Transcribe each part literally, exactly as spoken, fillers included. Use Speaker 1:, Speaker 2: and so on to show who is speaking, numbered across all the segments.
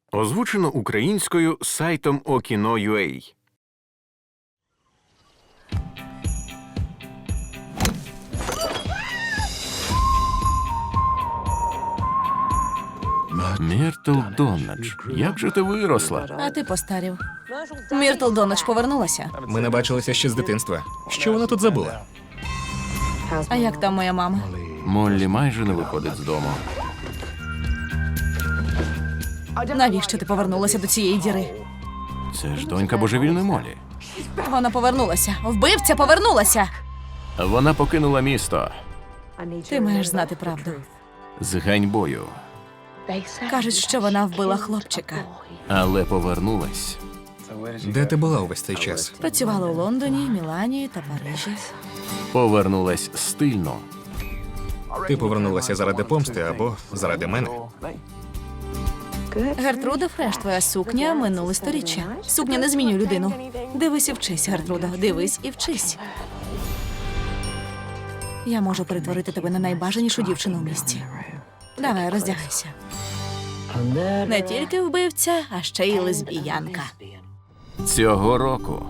Speaker 1: Озвучено українською сайтом Okino крапка ю а. Міртл Доннадж, як же ти виросла?
Speaker 2: А ти постарів. Міртл Доннадж повернулася.
Speaker 3: Ми не бачилися ще з дитинства. Що вона тут забула?
Speaker 2: А як там моя мама?
Speaker 1: Моллі майже не виходить з дому.
Speaker 2: Навіщо ти повернулася до цієї діри?
Speaker 1: Це ж донька божевільної Моллі.
Speaker 2: Вона повернулася. Вбивця повернулася.
Speaker 1: Вона покинула місто
Speaker 2: Ти маєш знати правду.
Speaker 1: з ганьбою,
Speaker 2: Кажуть, що вона вбила хлопчика.
Speaker 1: але повернулась.
Speaker 3: Де ти була увесь цей час?
Speaker 2: Працювала у Лондоні, Мілані та Парижі.
Speaker 1: Повернулась стильно.
Speaker 3: Ти повернулася заради помсти або заради мене?
Speaker 2: Гертруда Фреш, твоя сукня минуле сторіччя. Сукня не змінює людину. Дивись і вчись, Гертруда. Дивись і вчись. Я можу перетворити тебе на найбажанішу дівчину в місті. Давай, роздягайся. Не тільки вбивця, а ще й лесбіянка.
Speaker 1: Цього року.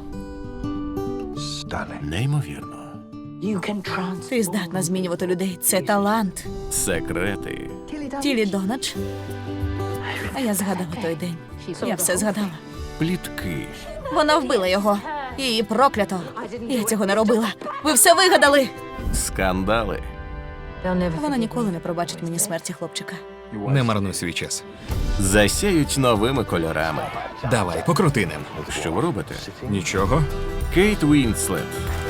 Speaker 1: Неймовірно.
Speaker 2: Ти здатна змінювати людей. Це талант.
Speaker 1: Секрети.
Speaker 2: Тілі Доннадж. А я згадала той день. Я все згадала.
Speaker 1: Плітки.
Speaker 2: Вона вбила його. Її проклято. Я цього не робила. Ви все вигадали.
Speaker 1: Скандали.
Speaker 2: Вона ніколи не пробачить мені смерті хлопчика.
Speaker 3: Не марнуй свій час.
Speaker 1: Засяють новими кольорами.
Speaker 3: Давай, покрути ним.
Speaker 1: Що ви робите?
Speaker 3: Нічого.
Speaker 1: Кейт Уінслет.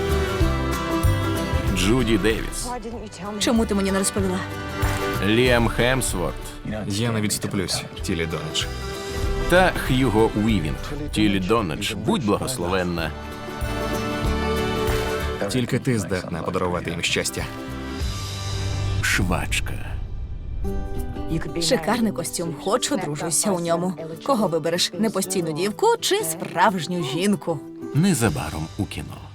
Speaker 1: Джуді Девіс.
Speaker 2: Чому ти мені не розповіла?
Speaker 1: Ліам Хемсворт.
Speaker 3: Я не відступлюсь, тілі Доннадж.
Speaker 1: Та Х'юго Уівінг. Тілі Доннадж, будь благословенна.
Speaker 3: Тільки ти здатна подарувати їм щастя.
Speaker 1: Швачка.
Speaker 2: Шикарний костюм. Хочу, дружуся у ньому. Кого вибереш? Непостійну дівку чи справжню жінку?
Speaker 1: Незабаром у кіно.